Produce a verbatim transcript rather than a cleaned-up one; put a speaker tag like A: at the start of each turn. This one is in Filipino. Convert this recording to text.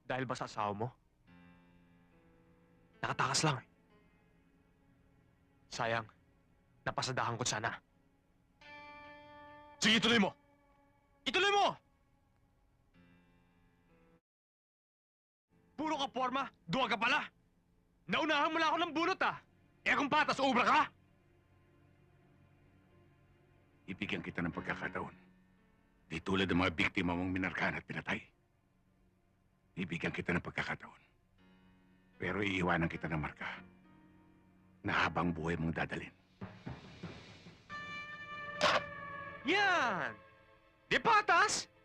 A: Dahil ba sa asawa mo? Nakatakas lang eh. Sayang, napasadahan ko sana. Sige, ituloy mo! Ituloy mo! Puro ka forma, duwag ka pala! Naunahan mo lang ako ng bunot ah! Eh kung patas, ubra ka!
B: Ibigyan kita ng pagkakataon. Di tulad ng mga biktima mong minarkahan at pinatay. Ibigyan kita ng pagkakataon. Pero iiwanan kita ng marka na habang buhay mong dadalhin.
A: Yan! Di patas!